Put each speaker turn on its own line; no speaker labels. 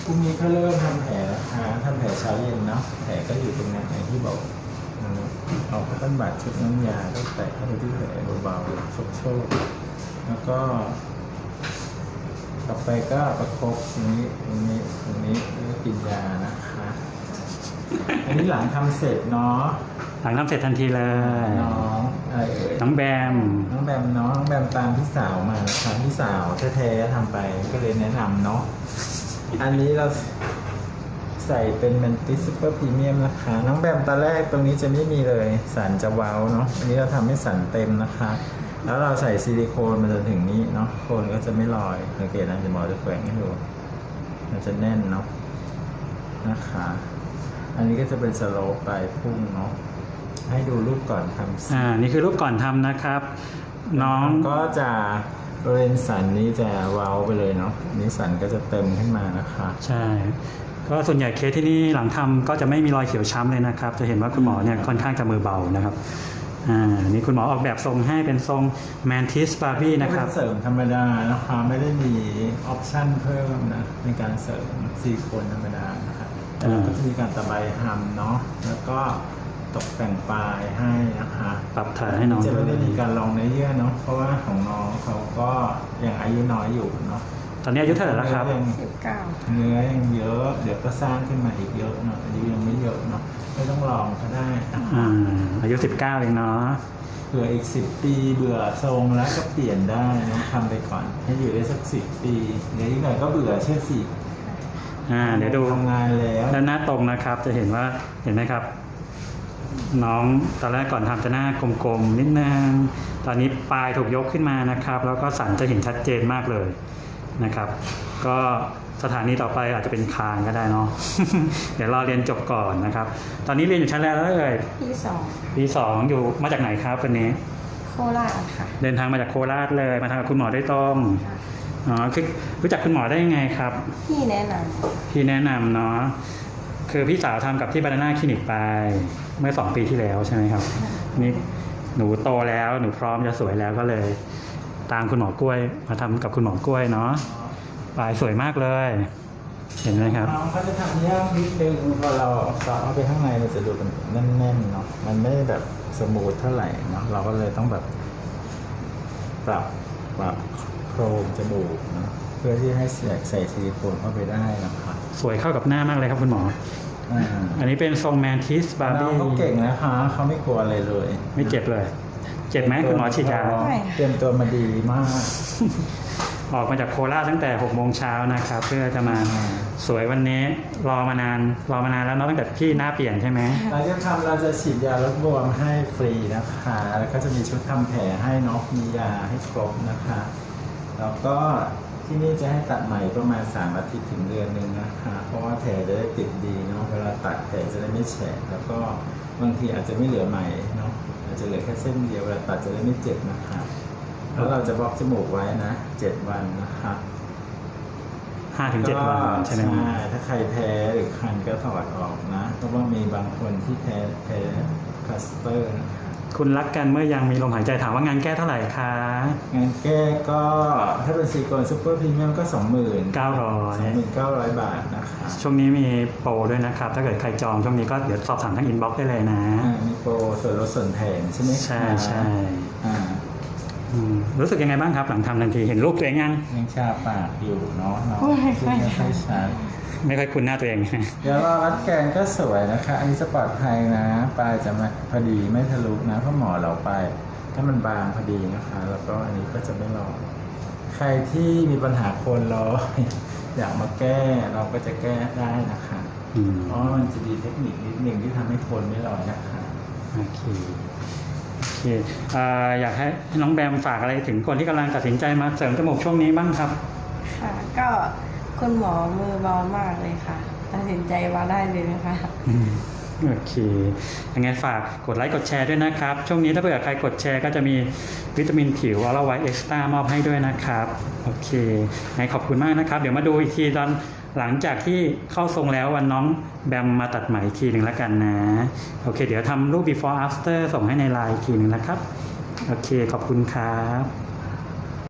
พรุ่งนี้เขาเริ่มทำแผลนะคะทำแผลเช้าเย็นเนาะแผลก็อยู่ตรงนั้นอย่างที่บอกเอาผ้าพันบาดชุบน้ำยาก็แตะเข้าไปที่แผลเบาๆโชกๆแล้วก็ต่อไปก็ประคบตรงนี้แล้วก็กินยานะคะอันนี้หลังทำเสร็จเนาะ
หลังทำเสร็จทันทีเลย
น้องอะไรเอ่ย
น้องแบม
น้องแบมตามพี่สาวมานะคะพี่สาวแท้ๆทำไปก็เลยแนะนำเนาะอันนี้เราใส่เป็นแมนติสซูเปอร์พรีเมียมนะคะน้องแบมตอนแรกตรงนี้จะไม่มีเลยสันจะเว้าเนาะอันนี้เราทำให้สันเต็มนะคะแล้วเราใส่ซิลิโคนมาจนถึงนี้เนาะโคนก็จะไม่ลอยสังเกตนะจะหมอจะแกว่งให้ดูมันจะแน่นเนาะนะคะอันนี้ก็จะเป็นสโลปไปพุ่งเนาะให้ดูรูปก่อนทำ
นี่คือรูปก่อนทำนะครับน้อง
ก็จะบริเวณสันนี้จะเว้าไปเลยเนาะนี้สันก็จะเต็มขึ้นมานะคะ
ใช่ก็ส่วนใหญ่เคสที่นี่หลังทำก็จะไม่มีรอยเขียวช้ำเลยนะครับจะเห็นว่าคุณหมอเนี่ยค่อนข้างจะมือเบานะครับนี่คุณหมอออกแบบทรงให้เป็นทรงแมนทิสบาร์บี้นะครับ
เสริมธรรมดานะคะไม่ได้มีออปชั่นเพิ่มนะในการเสริมซิลิโคนธรรมดานะครับแต่เราก็จะมีการตะไบทำเนาะแล้วก็ตกแต่งปลายให้นะคะ
ปรับฐานให้น้อง
จะไม่ได้มีการลองเนื้อเยื่อเนาะเพราะว่าของน้องเขาก็ยังอายุน้อยอยู่เนาะ
ตอนนี้อายุเท่าไหร่แล้วครับ
19
เนื้อยังเยอะเดี๋ยวก็สร้างขึ้นมาอีกเยอะเนาะอายุยังไม่เยอะเนาะไม่ต้องลองก็ได้
อายุ19เองเนาะ
เผื่ออีก10 ปีเบื่อทรงแล้วก็เปลี่ยนได้นะทำไปก่อนให้อยู่ได้สัก10 ปีเดี๋ยวอีกหน่อยก็เบื่อเชื่อสิ
เดี๋ยวดู
ทำงานแล้ว
ด้านหน้าตรงนะครับจะเห็นว่าเห็นไหมครับน้องตอนแรกก่อนทำจะหน้ากลมๆนิดนึงตอนนี้ปลายถูกยกขึ้นมานะครับแล้วก็สันจะเห็นชัดเจนมากเลยนะครับก็สถานีต่อไปอาจจะเป็นคางก็ได้เนาะ เดี๋ยวรอเรียนจบก่อนนะครับตอนนี้เรียนอยู่ชั้นแล้วเลยปี2อยู่มาจากไหนครับวันนี้
โคราชค่ะ
เดินทางมาจากโคราชเลยมาทำกับคุณหมอได้ตรงคือรู้จักคุณหมอได้ยังไงครับ
พี่แนะน
ำเนาะคือพี่สาวทำกับที่บานาน่าคลินิกไปเมื่อ2 ปีที่แล้วใช่ไหมครับนี่หนูโตแล้วหนูพร้อมจะสวยแล้วก็เลยตามคุณหมอกล้วยมาทำกับคุณหมอกล้วยเนาะปลายสวยมากเลยเห็นไหมครับ
น้องเขาจะทำยากนิดนึงพอเราซอฟเอาไปข้างในมันจะดูเป็นแน่นๆเนาะมันไม่แบบสมูทเท่าไหร่เนาะเราก็เลยต้องแบบปรับโครงจมูกนะเพื่อที่ให้ใส่ซิลิโคนเข้าไปได้นะครับ
สวยเข้ากับหน้ามากเลยครับคุณหมออันนี้เป็นทรงแมนทิสบาร์บี้
เขาเก่งนะคะเขาไม่กลัวอะไรเลย
ไม่เจ็บเลยเจ็บไหมคุณหมอฉีดยา
เตรียมตัวมาดีมาก
ออกมาจากโคราชตั้งแต่6 โมงเช้านะครับเพื่อจะมาสวยวันนี้รอมานานแล้วเนาะตั้งแต่พี่หน้าเปลี่ยนใช่ไหม
เราจะฉีดยาลดบวมให้ฟรีนะคะแล้วก็จะมีชุดทำแผลให้เนาะมียาให้ครบนะคะแล้วก็ที่นี่จะให้ตัดใหม่ประมาณ3 อาทิตย์ถึงเดือนนึงนะคะเพราะว่าแผลจะได้ติดดีเนาะเวลาตัดแผลจะได้ไม่แฉะแล้วก็บางทีอาจจะไม่เหลือใหม่เนาะอาจจะเหลือแค่เส้นเดียวเวลาตัดจะได้ไม่เจ็บนะคะแล้วเราจะบล็อกจมูกไว้นะ7 วันนะคะ
5 ถึง 7 วันใช่ไหม
ถ้าใครแพ้หรือคันก็ถอดออกนะเพราะว่ามีบางคนที่แพ้พลาสเตอร์นะคะ
คุณรักกันเมื่อยังมีลมหายใจถามว่างานแก้เท่าไหร่คะ
งานแก้ก็ถ้าเป็นซิลิโคนซูเปอร์พรีเมียมก็
29,000
บาทนะคะ
ช่วงนี้มีโปรด้วยนะครับถ้าเกิดใครจองช่วงนี้ก็เดี๋ยวสอบถามทางอินบ็อกซ์ได้เลยนะ
มีโปรส่วนลดส่วนแถมใช่ไหม
ใช่รู้สึกยังไงบ้างครับหลังทำทันทีเห็นรูปตัวเอง
ยังชาปากอยู่เนาะไม่ค่อยชัด
ไม่ค่อยคุ้นหน้าตัวเอง
เดี๋ยวรัดแกนก็สวยนะคะอันนี้จะปลอดภัยนะปลายจะมาพอดีไม่ทะลุนะเพราะหมอเราไปถ้ามันบางพอดีนะคะแล้วก็อันนี้ก็จะไม่ลอยใครที่มีปัญหาโคนลอยอยากมาแก้เราก็จะแก้ได้นะคะเพราะมันจะมีเทคนิคนิดหนึ่งที่ทำให้โคนไม่ลอยนะคะ
โอเคอยากให้น้องแบมฝากอะไรถึงคนที่กำลังตัดสินใจมาเสริมจมูกช่วงนี้บ้างครับ
ค่ะก็คุณหมอมือเบามากเลยค่ะตัดสินใจมาได้เลยนะคะ
โอเคยังไงฝากกดไลค์กดแชร์ด้วยนะครับช่วงนี้ถ้าเผื่อใครกดแชร์ก็จะมีวิตามินผิวออร่าไวท์เอ็กซ์ตร้ามอบให้ด้วยนะครับโอเคขอบคุณมากนะครับเดี๋ยวมาดูอีกทีตอนหลังจากที่เข้าทรงแล้ววันน้องแบมมาตัดไหมอีกทีหนึ่งแล้วกันนะโอเคเดี๋ยวทำรูป before after ส่งให้ในไลน์อีกทีหนึ่งนะครับโอเคขอบคุณครับ